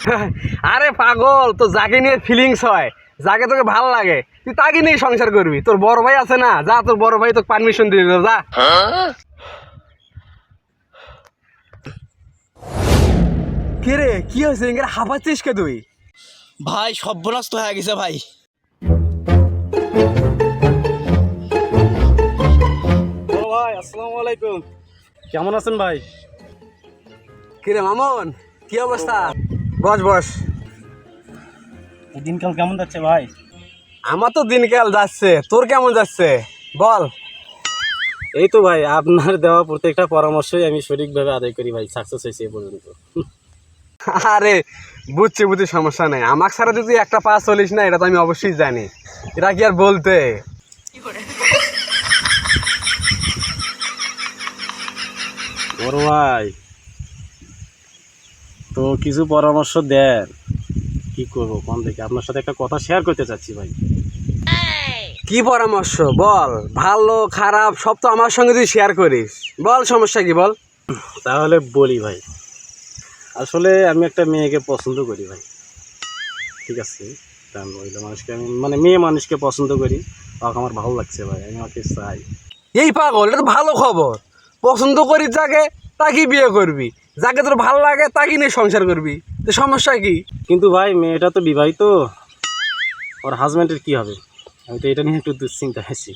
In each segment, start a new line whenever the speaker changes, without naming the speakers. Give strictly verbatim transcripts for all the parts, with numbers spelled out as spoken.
আরে পাগল, তো যাকে নিয়ে ফিলিংস হয়, যাকে তোকে ভাল লাগে, তুই তাকে নিয়ে সংসার করবি। তোর বড় ভাই আছে না, যা, তোর বড় ভাই তোকে পারমিশন দিয়ে দিল, যা। কে রে, কি হয়েছে? এখানে হাঁপাচ্ছিস কে তুই?
ভাই সর্বনাশ তো হয়ে গেছে ভাই।
ভাই আসসালামু আলাইকুম, কেমন আছেন ভাই?
কি রে মামুন, কি অবস্থা? বস বস।
দিনকাল কেমন যাচ্ছে ভাই?
আমার তো দিনকাল যাচ্ছে, তোর কেমন যাচ্ছে বল?
এই তো ভাই, আপনার দেওয়া প্রত্যেকটা পরামর্শই আমি সঠিকভাবে আদায় করি ভাই, সাকসেস হয়েছে এ পর্যন্ত।
আরে বুঝছি বুঝছি, সমস্যা নেই। আমার ছাড়া যদি একটা পাস চলিস না, এটা তো আমি অবশ্যই জানি। এটা কি আর বলতে।
বড় ভাই, তো কিছু পরামর্শ দেন, কি করবো কোন থেকে? আপনার সাথে একটা কথা শেয়ার করতে চাচ্ছি ভাই।
কি পরামর্শ বল? ভালো খারাপ সব তো আমার সঙ্গে তুই শেয়ার করিস, বল সমস্যা কি বল।
তাহলে বলি ভাই, আসলে আমি একটা মেয়েকে পছন্দ করি ভাই, ঠিক আছে? কারণ মহিলা মানুষকে আমি মানে মেয়ে মানুষকে পছন্দ করি, তাকে আমার ভালো লাগছে ভাই, আমি ওকে চাই।
এই পাগল, এটা তো ভালো খবর। পছন্দ করিস যাকে, তাকেই বিয়ে করবি। যাকে তোর ভালো লাগে তাকে নিয়ে সংসার করবি, তো সমস্যা কি?
কিন্তু ভাই মেয়েটা তো বিবাহিত, ওর হাজব্যান্ডের কি হবে? আমি তো এটা নিয়ে একটু দুশ্চিন্তা আছি।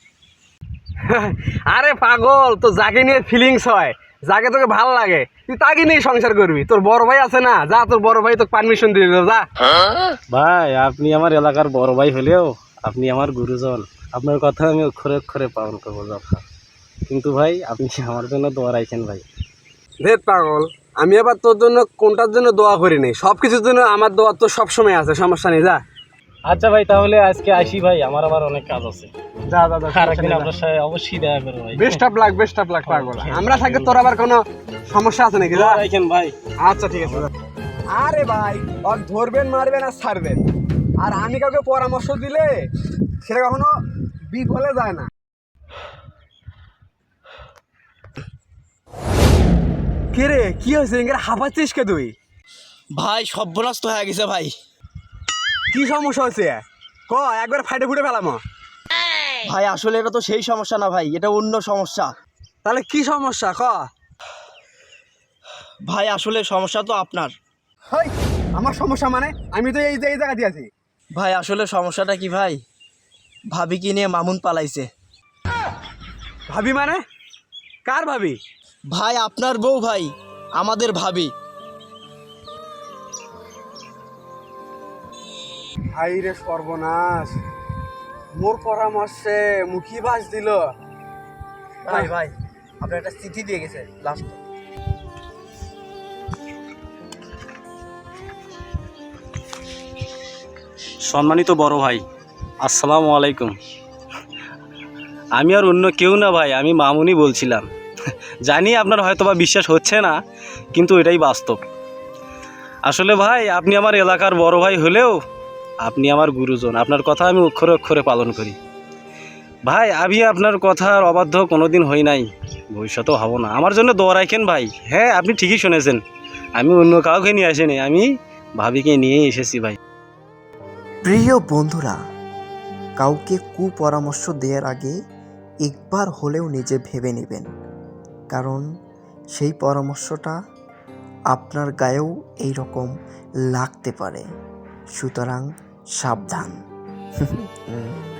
আরে পাগল, তো যাকে নিয়ে ফিলিংস হয়, যাকে তোকে ভালো লাগে, তুই তাকে নিয়ে সংসার করবি। তোর বড় ভাই আছে না, যা, তোর বড় ভাই তোকে পারমিশন দিয়ে দিল, যা।
ভাই আপনি আমার এলাকার বড় ভাই হলেও আপনি আমার গুরুজন, আপনার কথা আমি অক্ষরে অক্ষরে পালন করবো যথা। কিন্তু ভাই আপনি আমার জন্য দোয়া রাখেন ভাই।
ধের পাগল, আমি আবার তোর জন্য কোনটার জন্য দোয়া করি নি, সব কিছুর জন্য আমার দোয়া তো সবসময় আছে, সমস্যা নেই, যা।
আচ্ছা ভাই, তাহলে আজকে আসি ভাই, আমার আবার অনেক কাজ আছে।
যা যা যা,
আর একদিন আপনার সাথে অবশ্যই দেখা করবো ভাই।
Best of luck, best of luck পাগল। আমরা থাকলে তোর আবার কোনো সমস্যা আছে নাকি? যা।
দোয়া রাখেন ভাই।
আচ্ছা ঠিক আছে। আরে ভাই, ওর ধরবেন মারবেন আর ছাড়বেন, আর আমি কাউকে পরামর্শ দিলে সেটা কখনো বিফলে যায় না। কে রে, কি হয়েছে? এখানে হাঁপাচ্ছিস কে তুই?
ভাই সর্বনাশ তো হয়ে গেছে ভাই।
কি সমস্যা হয়েছে ক, একবার ফাইটে ফুটে ফেলাম।
ভাই আসলে এটা তো সেই সমস্যা না ভাই, এটা অন্য সমস্যা।
তাহলে কি সমস্যা ক?
ভাই আসলে সমস্যা তো আপনার।
হেই, আমার সমস্যা মানে? আমি তো এই যে এই জায়গাতে আছি।
ভাই আসলে সমস্যাটা কি ভাই, ভাবি কি নিয়ে মামুন পালাইছে।
ভাবি মানে? কার ভাবি?
ভাই আপনার বউ ভাই, আমাদের ভাবি।
হাই রে সর্বনাশ, মোর পরামর্শে মুখী বাস দিল।
ভাই ভাই আপনার একটা চিঠি দিয়ে গেছে লাস্ট।
সম্মানিত বড় ভাই, আসসালামু আলাইকুম। আমি আর অন্য কেউ না ভাই, আমি মামুনি বলছিলাম। জানি আপনার হয়তো বা বিশ্বাস হচ্ছে না, কিন্তু এটাই বাস্তব। আসলে ভাই আপনি আমার এলাকার বড় ভাই হলেও আপনি আমার গুরুজন, আপনার কথা আমি অক্ষরে অক্ষরে পালন করি। ভাই আমি আপনার কথার অবাধ্য কোনোদিন হই নাই, ভবিষ্যতেও হব না। আমার জন্য দোয়া রাখেন ভাই। হ্যাঁ আপনি ঠিকই শুনেছেন, আমি অন্য কাউকে নিয়ে আসিনি, আমি ভাবিকে নিয়েই এসেছি ভাই।
প্রিয় বন্ধুরা, কাউকে কুপরামর্শ দেওয়ার আগে একবার হলেও নিজে ভেবে নেবেন, কারণ সেই পরামর্শটা আপনার গায়েও এই রকম লাগতে পারে। সুতরাং সাবধান।